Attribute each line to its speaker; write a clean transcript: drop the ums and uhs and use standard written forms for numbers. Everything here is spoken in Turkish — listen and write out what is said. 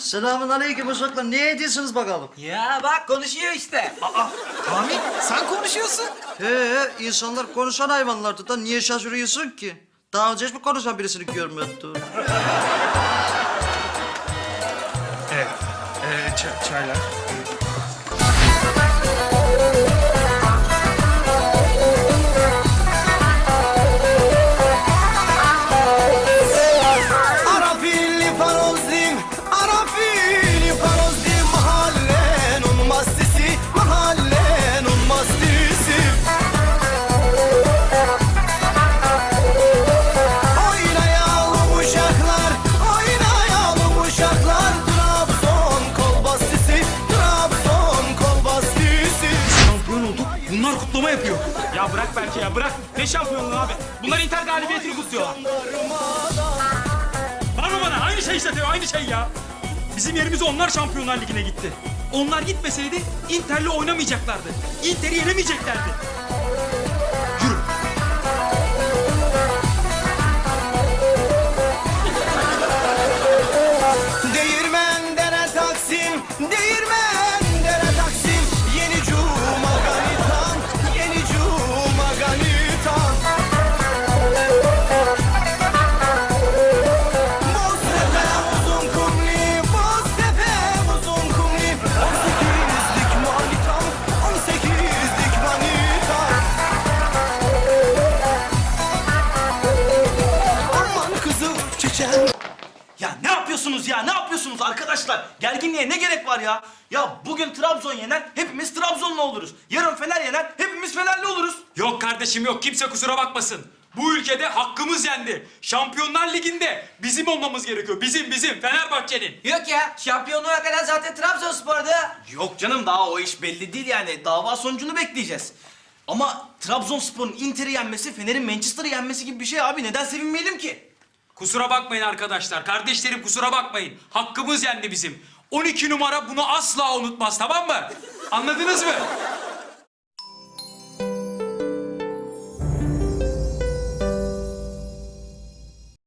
Speaker 1: Selamun aleyküm uşaklar. Ne ediyorsunuz bakalım?
Speaker 2: Ya bak konuşuyor işte.
Speaker 3: Kamil sen konuşuyorsun.
Speaker 1: İnsanlar konuşan hayvanlardı da niye şaşırıyorsun ki? Daha önce hiç mi konuşan birisini görmedin?
Speaker 3: Evet. Çaylar.
Speaker 4: Arafili parozdim, arafili parozdim. Mahallenin mastisi, mahallenin mastisi. Oynayalım uşaklar, oynayalım uşaklar. Trabzon kolbastisi, Trabzon kolbastisi.
Speaker 3: Şampiyon olduk. Bunlar kutlama yapıyor. Ya bırak belki ya bırak. Ne şampiyonluğu abi? Bunlar Inter galibiyetini kutluyorlar. Bana aynı şey işte aynı şey ya. Bizim yerimize onlar Şampiyonlar Ligi'ne gitti. Onlar gitmeseydi Inter'le oynamayacaklardı. Inter'i yenemeyeceklerdi. Yürü.
Speaker 4: Değirmendere Taksim, değirmendere Taksim. Yeni cuma ganitan, yeni cuma ganitan. Boztepe uzun kumli, Boztepe uzun kumli. 18'lik manitam, 18'lik manitam. Aman kızım çiçeğim.
Speaker 5: Ya ne yapıyorsunuz ya? Ne yapıyorsunuz arkadaşlar? Gerginliğe ne gerek var ya? Ya bugün Trabzon yener, hepimiz Trabzonlu oluruz. Yarın Fener yener, hepimiz Fenerli oluruz.
Speaker 3: Yok kardeşim yok. Kimse kusura bakmasın. Bu ülkede hakkımız yendi. Şampiyonlar Ligi'nde bizim olmamız gerekiyor. Bizim Fenerbahçe'nin.
Speaker 2: Yok ya şampiyonluğa kadar zaten Trabzonspor'da.
Speaker 5: Yok canım daha o iş belli değil yani. Dava sonucunu bekleyeceğiz. Ama Trabzonspor'un Inter'i yenmesi, Fener'in Manchester'ı yenmesi gibi bir şey abi. Neden sevinmeyelim ki?
Speaker 3: Kusura bakmayın arkadaşlar. Kardeşlerim kusura bakmayın. Hakkımız yendi bizim. 12 numara bunu asla unutmaz, tamam mı? Anladınız mı?